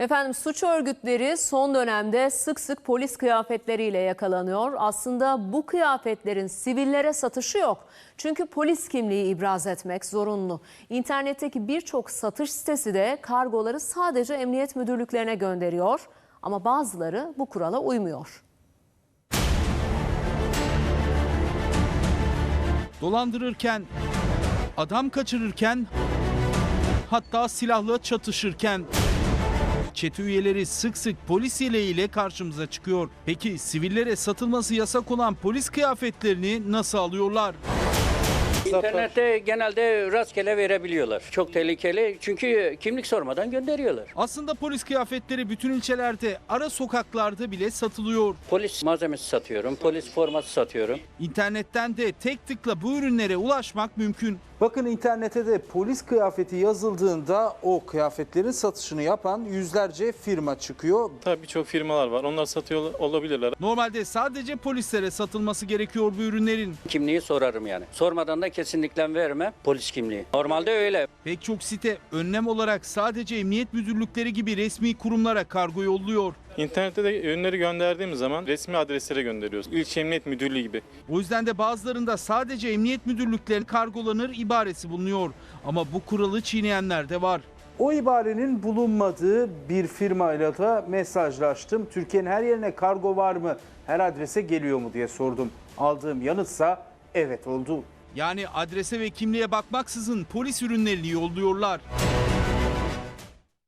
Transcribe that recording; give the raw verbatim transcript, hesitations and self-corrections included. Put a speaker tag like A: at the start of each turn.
A: Efendim suç örgütleri son dönemde sık sık polis kıyafetleriyle yakalanıyor. Aslında bu kıyafetlerin sivillere satışı yok. Çünkü polis kimliği ibraz etmek zorunlu. İnternetteki birçok satış sitesi de kargoları sadece emniyet müdürlüklerine gönderiyor. Ama bazıları bu kurala uymuyor.
B: Dolandırırken, adam kaçırırken, hatta silahla çatışırken çete üyeleri sık sık polis yeleğiyle karşımıza çıkıyor. Peki sivillere satılması yasak olan polis kıyafetlerini nasıl alıyorlar?
C: İnternette genelde rastgele verebiliyorlar. Çok tehlikeli çünkü kimlik sormadan gönderiyorlar.
B: Aslında polis kıyafetleri bütün ilçelerde, ara sokaklarda bile satılıyor.
C: Polis malzemesi satıyorum, polis forması satıyorum.
B: İnternetten de tek tıkla bu ürünlere ulaşmak mümkün.
D: Bakın internete de polis kıyafeti yazıldığında o kıyafetlerin satışını yapan yüzlerce firma çıkıyor.
E: Tabii birçok firmalar var. Onlar satıyor olabilirler.
B: Normalde sadece polislere satılması gerekiyor bu ürünlerin.
C: Kimliği sorarım yani. Sormadan da kesinlikle verme polis kimliği. Normalde öyle.
B: Pek çok site önlem olarak sadece emniyet müdürlükleri gibi resmi kurumlara kargo yolluyor.
E: İnternette de ürünleri gönderdiğimiz zaman resmi adreslere gönderiyoruz. İlçe Emniyet Müdürlüğü gibi.
B: O yüzden de bazılarında sadece emniyet müdürlükleri kargolanır ibaresi bulunuyor. Ama bu kuralı çiğneyenler de var.
D: O ibarenin bulunmadığı bir firmayla da mesajlaştım. Türkiye'nin her yerine kargo var mı, her adrese geliyor mu diye sordum. Aldığım yanıtsa evet oldu.
B: Yani adrese ve kimliğe bakmaksızın polis ürünlerini yolluyorlar.